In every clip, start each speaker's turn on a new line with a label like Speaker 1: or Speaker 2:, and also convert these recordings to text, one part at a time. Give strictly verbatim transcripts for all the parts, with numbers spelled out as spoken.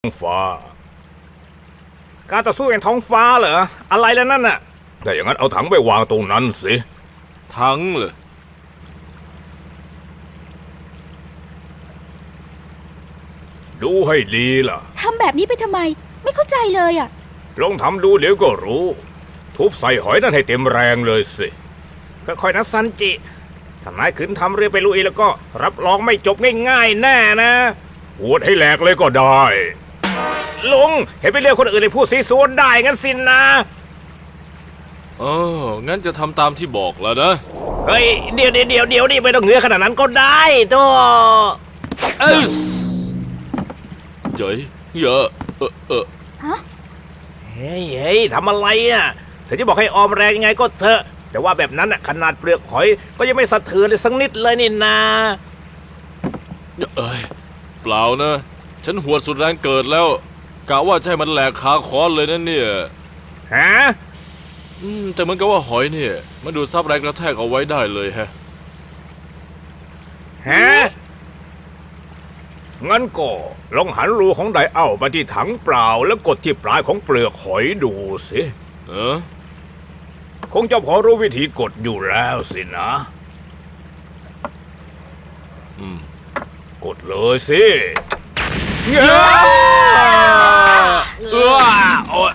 Speaker 1: ท้องฟ้าการต่อสู้แห่งท้องฟ้าเหรออะไรแล้วนั่นน่ะถ้าอย่างนั้นเอาถังไปวางตรงนั้นสิ
Speaker 2: ถังเหรอ
Speaker 1: ดูให้ดีล่ะ
Speaker 3: ทำแบบนี้ไปทำไมไม่เข้าใจเลยอ่ะ
Speaker 1: ลองทำดูเดี๋ยวก็รู้ทุบใส่หอยนั่นให้เต็มแรงเลยสิค่อยๆนะซันจิถ้านายขืนทำเรือไปลุยแล้วก็รับรองไม่จบง่ายๆแน่นะปวดให้แหลกเลยก็ได้ลุงเห็นไปเรื่องคนอื่นเลยพูดซีซัวได้งั้นสินนะ
Speaker 2: เอองั้นจะทำตามที่บอกแล้วนะ
Speaker 1: เฮ้ยเดี๋ยวเดี๋ยวเดี๋ยวเดี๋ยวนี่ไม่ต้องเหงือขนาดนั้นก็ได้ตัว
Speaker 2: เอสเจ๋ยเยอะเออเออ
Speaker 3: ฮะ
Speaker 1: เฮ้ยเฮ้ยทำอะไรอ่ะเธอจะบอกให้ออมแรงยังไงก็เถอะแต่ว่าแบบนั้นน่ะขนาดเปลือกหอยก็ยังไม่สะเทือนเลยสักนิดเลยนี่นา
Speaker 2: เอ้ยเปล่านะฉันหัวสุดแรงเกิดแล้วกะว่าใช่มันแหลกขาคอนเลยนะเนี่ย
Speaker 1: ฮะ
Speaker 2: อืมแต่เหมือนกับว่าหอยเนี่ยมันดูดซับแรงกระแทกเอาไว้ได้เลยฮะ
Speaker 1: ฮะงั้นก็ลองหันรูของไดเอาไปที่ถังเปล่าแล้วกดที่ปลายของเปลือกหอยดูสิ
Speaker 2: เออ
Speaker 1: คงจะพอรู้วิธีกดอยู่แล้วสินะ
Speaker 2: อืม
Speaker 1: กดเลยสิเงาเออโอ๊ย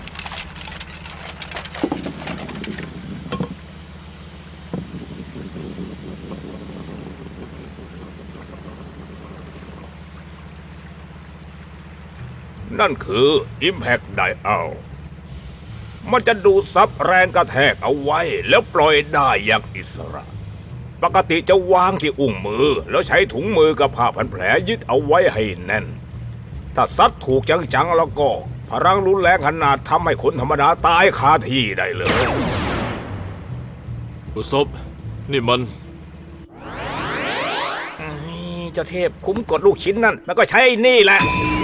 Speaker 1: นั่นคือ Impact Dial มันจะดูดซับแรงกระแทกเอาไว้แล้วปล่อยได้อย่างอิสระปกติจะวางที่อุ้งมือแล้วใช้ถุงมือกับผ้าพันแผลยึดเอาไว้ให้แน่นถ้าซัดถูกจังๆแล้วก็พลังรุนแรงขนาดทำให้คนธรรมดาตายคาที่ได้เลย
Speaker 2: อุศบนี่มัน
Speaker 1: เจ้าเทพคุ้มกดลูกชิ้นนั่นแล้วก็ใช้นี่แหละ